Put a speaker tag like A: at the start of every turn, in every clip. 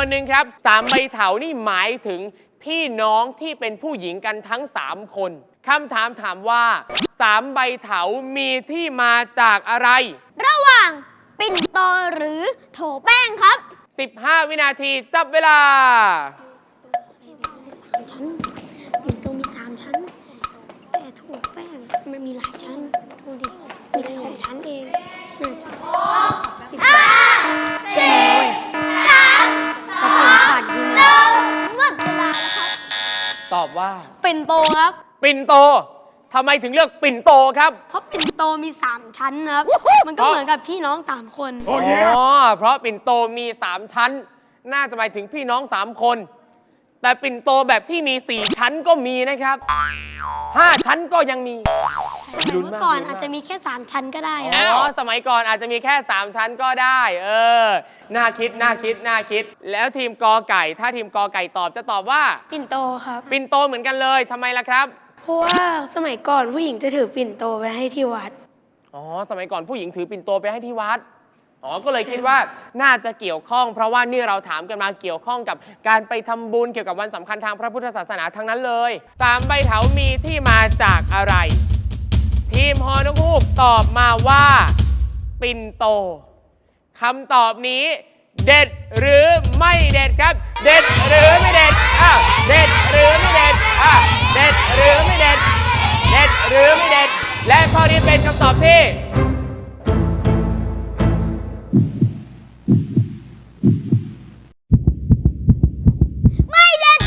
A: หนึ่งครับ3 ใบเถานี่หมายถึงพี่น้องที่เป็นผู้หญิงกันทั้ง3 คนคำถามถามว่า3 ใบเถามีที่มาจากอะไร
B: ระหว่างปิ่นโตหรือโถแป้งครับ
A: 15 วินาทีจับเวลา
B: 3 ชั้นปิ่นโตมี3 ชั้นแต่โถแป้งมันมีหลายชั้นดูดิมี2 ชั้นเอง1 ชั้น5 4 3 2 1หมดเวลาแล้วครับ
A: ตอบว่า
B: ปิ่นโตครับ
A: ปิ่นโตทำไมถึงเลือกปิ่นโตครับ
B: เพราะปิ่นโตมี3 ชั้นครับมันก็เหมือนกับพี่น้อง3 คน
A: อ๋อเพราะปิ่นโตมี3 ชั้นน่าจะหมายถึงพี่น้อง3 คนแต่ปิ่นโตแบบที่มี4 ชั้นก็มีนะครับ5 ชั้นก็ยังมี
B: สมัยเมื่อก่อนอาจจะมีแค่3 ชั้นก็ได้
A: สมัยก่อนอาจจะมีแค่3 ชั้นก็ได้น่าคิดแล้วทีมกอไก่ถ้าทีมกอไก่ตอบจะตอบว่า
B: ปิ่นโตครับ
A: ปิ่นโตเหมือนกันเลยทำไมล่ะครับ
B: เพราะว่าสมัยก่อนผู้หญิงจะถือปิ่นโตไปให้ที่วัด
A: สมัยก่อนผู้หญิงถือปิ่นโตไปให้ที่วัดก็เลยคิดว่าน่าจะเกี่ยวข้องเพราะว่านี่เราถามกันมาเกี่ยวข้องกับการไปทำบุญเกี่ยวกับวันสำคัญทางพระพุทธศาสนาทั้งนั้นเลย3 ใบเถามีที่มาจากอะไรทีมฮอนกฮูกตอบมาว่าปิ่นโตคำตอบนี้เด็ดหรือไม่เด็ดครับเด็ดหรือไม่เด็ดเด็ดหรือไม่เด็ดเด็ดหรือไม่เด็ดเด็ดหรือไม่เด็ดและข้อนี้เป็นคำตอบที่
B: ไม่เด็ด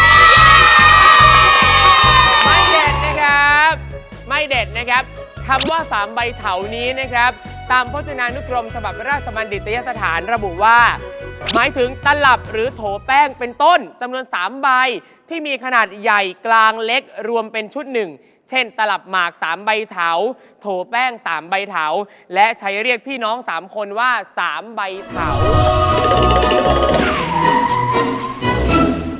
A: นะครับคำว่า3 ใบเถานี้นะครับตามพจนานุกรมฉบับราชบัณฑิตยสถานระบุว่าหมายถึงตลับหรือโถแป้งเป็นต้นจำนวน3 ใบที่มีขนาดใหญ่กลางเล็กรวมเป็นชุดหนึ่งเช่นตลับหมาก3 ใบเถาโถแป้ง3 ใบเถาและใช้เรียกพี่น้อง3 คนว่า3 ใบเถา